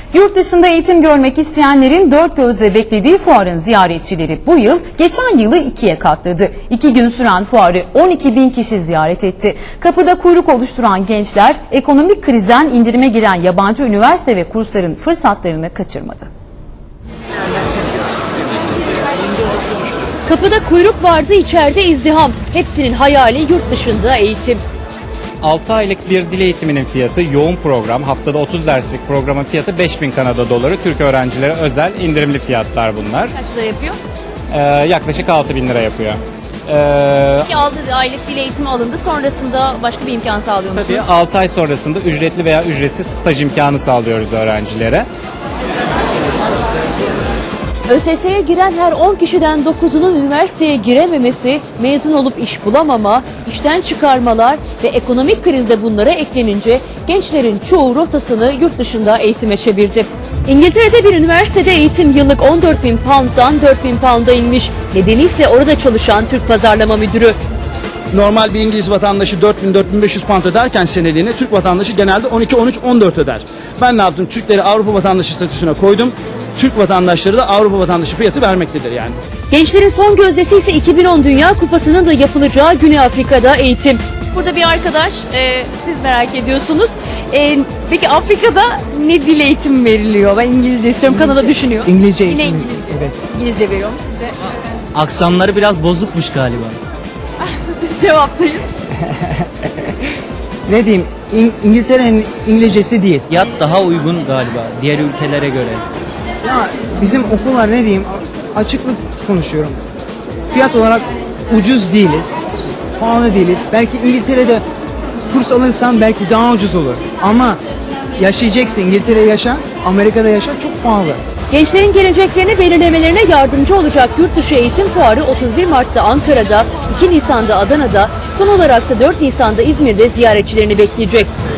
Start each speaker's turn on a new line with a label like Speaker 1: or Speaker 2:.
Speaker 1: Yurt dışında eğitim görmek isteyenlerin dört gözle beklediği fuarın ziyaretçileri bu yıl geçen yılı ikiye katladı. 2 gün süren fuarı 12.000 kişi ziyaret etti. Kapıda kuyruk oluşturan gençler ekonomik krizden indirime giren yabancı üniversite ve kursların fırsatlarını kaçırmadı.
Speaker 2: Kapıda kuyruk vardı, içeride izdiham. Hepsinin hayali yurt dışında eğitim.
Speaker 3: 6 aylık bir dil eğitiminin fiyatı, yoğun program, haftada 30 derslik programın fiyatı 5.000 Kanada doları. Türk öğrencilere özel indirimli fiyatlar bunlar.
Speaker 2: Kaç lira yapıyor?
Speaker 3: Yaklaşık 6.000 lira yapıyor.
Speaker 2: 6 aylık dil eğitimi alındı. Sonrasında başka bir imkan sağlıyor musunuz?
Speaker 3: Tabii 6 ay sonrasında ücretli veya ücretsiz staj imkanı sağlıyoruz öğrencilere.
Speaker 2: ÖSS'ye giren her 10 kişiden 9'unun üniversiteye girememesi, mezun olup iş bulamama, işten çıkarmalar ve ekonomik krizde bunlara eklenince gençlerin çoğu rotasını yurt dışında eğitime çevirdi. İngiltere'de bir üniversitede eğitim yıllık 14.000 pound'dan 4.000 pound'a inmiş. Nedeni ise orada çalışan Türk Pazarlama Müdürü.
Speaker 4: Normal bir İngiliz vatandaşı 4.000-4.500 pound öderken seneliğine Türk vatandaşı genelde 12, 13, 14 öder. Ben ne yaptım? Türkleri Avrupa vatandaşı statüsüne koydum. Türk vatandaşları da Avrupa vatandaşı fiyatı vermektedir yani.
Speaker 2: Gençlerin son gözdesi ise 2010 Dünya Kupası'nın da yapılacağı Güney Afrika'da eğitim. Burada bir arkadaş, siz merak ediyorsunuz. Peki Afrika'da ne dil eğitimi veriliyor? Ben İngilizce istiyorum, Kanada düşünüyor.
Speaker 5: İngilizce
Speaker 2: Yine
Speaker 5: eğitim.
Speaker 2: İngilizce.
Speaker 5: Evet.
Speaker 2: İngilizce veriyormuş size.
Speaker 5: Aksanları biraz bozukmuş galiba.
Speaker 2: Cevaplayın.
Speaker 5: Ne diyeyim? İngiltere'nin İngilizcesi değil. Fiyat daha uygun galiba diğer ülkelere göre. Ya bizim okullar ne diyeyim? Açıklık konuşuyorum. Fiyat olarak ucuz değiliz. Pahalı değiliz. Belki İngiltere'de kurs alırsan belki daha ucuz olur. Ama yaşayacaksın. İngiltere'de yaşa, Amerika'da yaşa, çok pahalı.
Speaker 2: Gençlerin geleceklerini belirlemelerine yardımcı olacak Yurtdışı Eğitim Fuarı 31 Mart'ta Ankara'da, 2 Nisan'da Adana'da, son olarak da 4 Nisan'da İzmir'de ziyaretçilerini bekleyecek.